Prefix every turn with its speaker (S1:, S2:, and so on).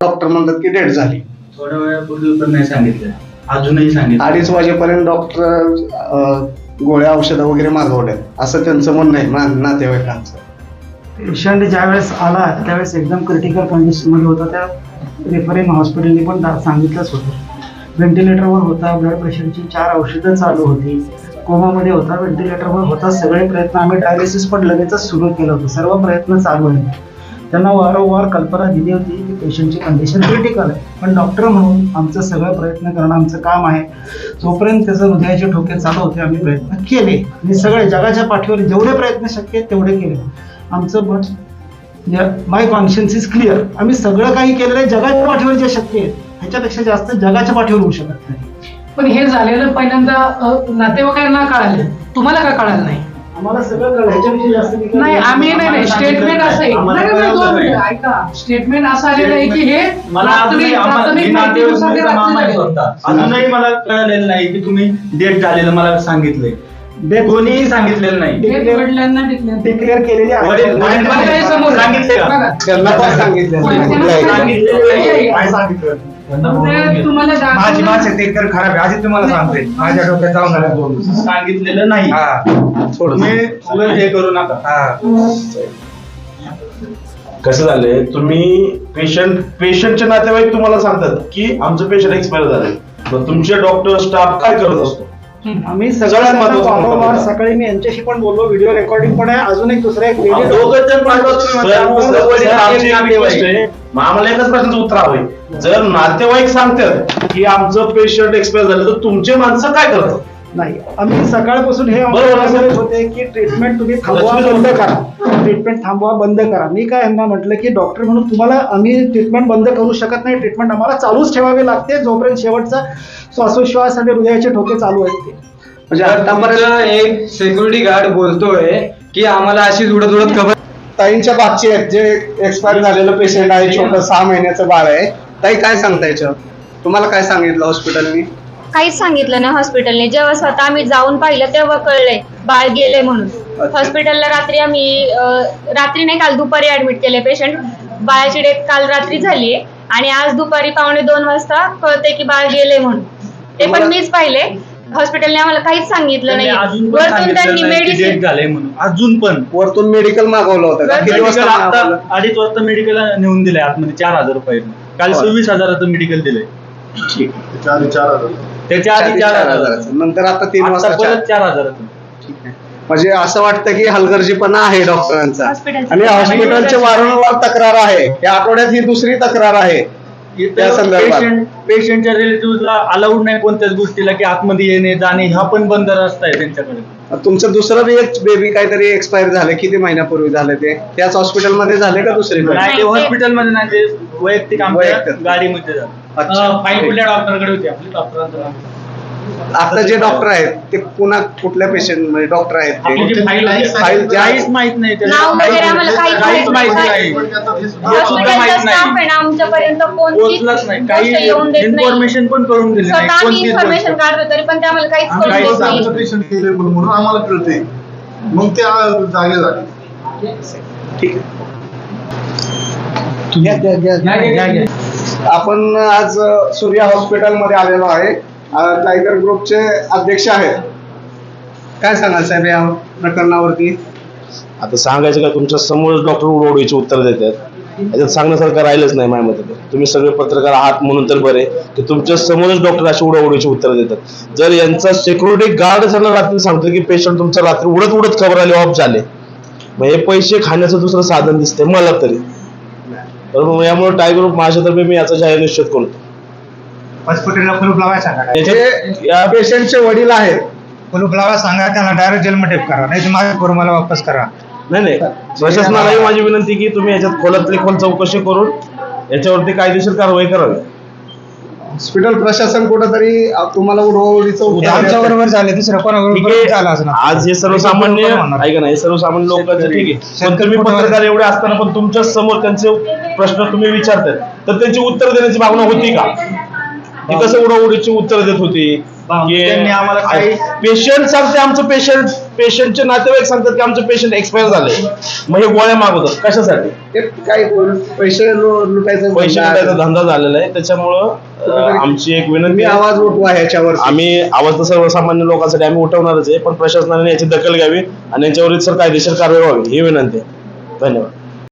S1: Doctor म्हणतात की date झाली.
S2: थोड्या वेळापूर्वी पण नाही सांगितलं, अजूनही सांगितलं.
S1: 2:30 वाजेपर्यंत डॉक्टर गोळ्या औषधं वगैरे मागवल्या असं त्यांचं म्हणणं आहे नातेवाईकांचं.
S3: पेशंट ज्या वेळेस आला त्यावेळेस एकदम क्रिटिकल कंडिशनमध्ये होता. त्या रेफरिंग हॉस्पिटलने पण सांगितलंच होतं. व्हेंटिलेटरवर होता, ब्लड प्रेशरची 4 औषधं चालू होती, कोमामध्ये होता, व्हेंटिलेटरवर होता. सगळे प्रयत्न आम्ही डायलिसिस पण लगेचच सुरू केलं होतं. सर्व प्रयत्न चालू आहेत. त्यांना वारंवार कल्पना दिली होती की पेशंटची कंडिशन क्रिटिकल आहे, पण डॉक्टर म्हणून आमचं सगळं प्रयत्न करणं आमचं काम आहे. जोपर्यंत त्याचं हृदयाचे ठोके चालू होते आम्ही प्रयत्न केले आणि सगळे जगाच्या पाठीवर जेवढे प्रयत्न शक्य आहेत तेवढे केले. आमचं मत माय कॉन्शियन्स इज क्लिअर. आम्ही सगळं काही केलेलं आहे जगाच्या पाठीवर जे शक्य आहे ह्याच्यापेक्षा जास्त जगाच्या पाठीवर होऊ शकत नाही.
S4: पण हे झालेलं पहिल्यांदा नातेवाईकांना कळालं, तुम्हाला का कळालं नाही?
S3: आम्हाला सगळं कळलं, ह्याच्यापेक्षा जास्त
S4: नाही आम्ही नाही स्टेटमेंट असं आहे. दोन मिनिटं ऐका, स्टेटमेंट असं आलेलं आहे की हे
S2: मला
S4: प्राथमिक माहिती नुसार ते रात्री झालेलं.
S2: अजूनही मला कळलेलं नाही की तुम्ही डेट झालेलं मला सांगितलंय. कोणीही सांगितलेलं नाही.
S4: हे वडिलांना
S3: डिक्लेअर केलेली आहे.
S2: वडील
S4: काय समोर
S2: सांगितले का?
S4: बघा.
S1: त्यांना पण सांगितलं.
S4: तुम्हाला
S5: माझी भाषा ते तर खराब आहे. आधी तुम्हाला सांगतोय माझ्या डोक्यात जाऊन आलं 2 दिवस.
S2: सांगितलेलं नाही. तुम्ही उगाच हे करू नका.
S6: कसं झालंय, तुम्ही पेशंटचे नातेवाईक तुम्हाला सांगतात की आमचं पेशंट एक्सपायर झालंय, मग तुमचे डॉक्टर स्टाफ काय करत असतो?
S3: आम्ही
S6: सगळ्यात
S3: सगळ्यात
S6: महत्त्वाचं
S3: वारंवार
S6: महत्त्वाचं.
S3: सकाळी मी यांच्याशी पण बोललो, व्हिडिओ रेकॉर्डिंग पण आहे. अजून एक दुसरा एक व्हिडिओ
S6: दोघं जण पाठवा तुम्ही. आमची एक request आहे, मग आम्हाला एकच प्रश्नाचं उत्तर हवंय. जर नातेवाईक सांगतात की आमचं पेशंट एक्सपायर झालं तर तुमचे माणसं काय करतात?
S3: नाही. आम्ही सकाळपासून हे
S6: बरोबर आहे.
S3: सांगत होते की ट्रीटमेंट तुम्ही थांबवा, बंद करा. ट्रीटमेंट थांबवा, बंद करा. मी काय यांना म्हटलं की डॉक्टर म्हणून तुम्हाला आम्ही ट्रीटमेंट बंद करू शकत नाही. ट्रीटमेंट आम्हाला चालूच ठेवावी लागते जोपर्यंत शेवटचा श्वासोश्वास आणि हृदयाचे ठोके चालू आहेत ते.
S1: म्हणजे आतापर्यंत
S5: एक सिक्युरिटी गार्ड बोलतोय की आम्हाला अशी उडत खबर.
S1: ताईंच्या बाबचे आहेत जे एक्सपायर झालेलं पेशंट आहे, छोटं 6 महिन्याचं बाळ आहे. ताई काय सांगता याच्यावर? तुम्हाला काय सांगितलं हॉस्पिटलनी?
S7: काहीच सांगितलं नाही हॉस्पिटलने. जेव्हा स्वतः आम्ही जाऊन पाहिलं तेव्हा कळलंय बाळ गेले म्हणून. हॉस्पिटलला रात्री आम्ही रात्री नाही, काल दुपारी ऍडमिट केले पेशंट. बाळाची डेथ काल रात्री झालीये आणि आज दुपारी 1:45 वाजता कळते की बाळ गेले म्हणून. ते पण मीच पाहिले. हॉस्पिटलने आम्हाला काहीच सांगितलं नाही. वरतून त्यांनी मेडिसिन
S2: झालंय म्हणून अजून पण
S1: वरतून मेडिकल मागवलं होतं का? किती वाजता मागवलं?
S2: 2:30 वाजता मेडिकल नेऊन दिलंय आतमध्ये 4,000 रुपये. काल 26,000चं मेडिकल दिलंय. त्याच्या आधी 4,000.
S1: नंतर आता 3 वाजता
S2: परत 4,000.
S1: ठीक आहे. म्हणजे असं वाटतं की हलगर्जीपणा आहे डॉक्टरांचा
S7: हॉस्पिटलचा.
S1: आणि हॉस्पिटलचे वारंवार तक्रार आहे. या आठवड्यात ही दुसरी तक्रार आहे त्या संदर्भात.
S2: पेशंटच्या रिलेटिव्हला अलाउड नाही कोणत्याच गोष्टीला की आतमध्ये येणे जाणे, हा पण बंद रस्ता आहे त्यांच्याकडे.
S1: तुमचं दुसरं बी एक बेबी काहीतरी एक्सपायर झालं, किती महिन्यापूर्वी झालं ते? त्याच हॉस्पिटलमध्ये झाले का दुसरीकडे?
S2: नाही, ते हॉस्पिटलमध्ये नाही, ते वैयक्तिक आमच्या
S1: वैयक्तिक.
S2: गाडीमध्ये झालं.
S1: अच्छा.
S2: फाईल कुठल्या डॉक्टरकडे होती? आपल्या डॉक्टरांचं नाव.
S1: आता जे डॉक्टर आहेत ते कुठल्या पेशंट म्हणजे डॉक्टर आहेत
S2: आपली जी
S1: ते?
S2: फाईल आहे,
S1: फाईल ज्या-
S2: काहीच माहित नाही त्याचं.
S7: नाव वगैरे आम्हाला काहीच
S2: काहीच माहित
S7: माहित
S2: नाही.
S7: नाही.
S2: हे सुद्धा
S7: हॉस्पिटलचा
S2: माहित
S7: स्टाफ
S2: नाही.
S7: आहे ना आमच्यापर्यंत
S2: पोहोचलंच नाही.
S7: कोणतीच
S2: काही
S7: गोष्ट येऊन देत नाही.
S2: इन्फॉर्मेशन पण कळून दिली नाही.
S7: स्वतः आम्ही
S2: कोणतीच
S7: इन्फॉर्मेशन
S2: गोष्ट.
S7: काढतो तरी पण ते आम्हाला काहीच कळून
S2: काहीच
S7: देत नाही.
S8: आमचं पेशंट केले म्हणून आम्हाला कळते, मग ते जागे झाले.
S1: ठीक आहे. आपण आज सूर्या हॉस्पिटलमध्ये आलेलो आहे. टायगर ग्रुपचे अध्यक्ष आहेत. काय सांगाल साहेब या प्रकरणावरती?
S6: आता सांगायचं का, तुमच्या समोर डॉक्टर उडवडीची उत्तर देतात. याच्यात सांगण्यासारखं राहिलंच नाही माझ्या मते. तुम्ही सगळे पत्रकार आहात म्हणून तर बरे की तुमच्या समोरच डॉक्टर अशी उडवडीची उत्तर देतात. जर यांचा सिक्युरिटी गार्ड त्यांना रात्री सांगतो की पेशंट तुमचा रात्री उडत खबर आली ऑफ झाले, मग हे पैसे खाण्याचं दुसरं साधन दिसतंय मला तरी. बरोबर, यामुळे टायगर ग्रुप माझ्यातर्फे मी याचा जाहीर निश्चित करतो.
S5: हॉस्पिटलला कुलूप लावायला सांगा.
S1: जे या पेशंटचे वडील आहेत,
S5: कुलूप लावायला सांगा, त्यांना डायरेक्ट जेलमध्ये करा, नाही तर माझ्या करून मला वापस करा.
S6: नाही प्रशासनालाही माझी विनंती की तुम्ही याच्यात खोलातली खोल चौकशी करून याच्यावरती कायदेशीर कारवाई करावी.
S1: हॉस्पिटल प्रशासन कुठंतरी तुम्हाला उडवडीचं उत्तर
S5: आमच्या
S1: देतंय.
S5: बरोबर झाले, दुसऱ्या
S6: ठीक
S5: कोणाबरोबर झालं असं
S6: आहे, आज हे सर्वसामान्य ऐका ना, हे सर्वसामान्य लोकांचं ठीक आहे, पण तुम्ही पत्रकार एवढे असताना पण तुमच्या समोर त्यांचे प्रश्न तुम्ही विचारतात तर त्यांची उत्तर देण्याची भावना होती का? ती कसं उडवडीची उत्तर देत होती की
S2: त्यांनी आम्हाला काही
S6: पेशंट सांगते आमचं पेशंट पेशंटचे नातेवाईक सांगतात की आमचे पेशंट एक्सपायर झाले, मग हे गोळ्या मागवतात कशासाठी?
S1: ते काय पैसे लुटायचा
S6: पैसे लुटायचा धंदा झालेला आहे. त्याच्यामुळं आमची एक विनंती
S1: तुम्ही
S6: आहे,
S1: आवाज उठवा ह्याच्यावर.
S6: आम्ही आवाज तर सर्वसामान्य लोकांसाठी आम्ही उठवणारच आहे, पण प्रशासनाने याची दखल घ्यावी आणि याच्यावर सर कायदेशीर कारवाई व्हावी ही विनंती आहे. धन्यवाद.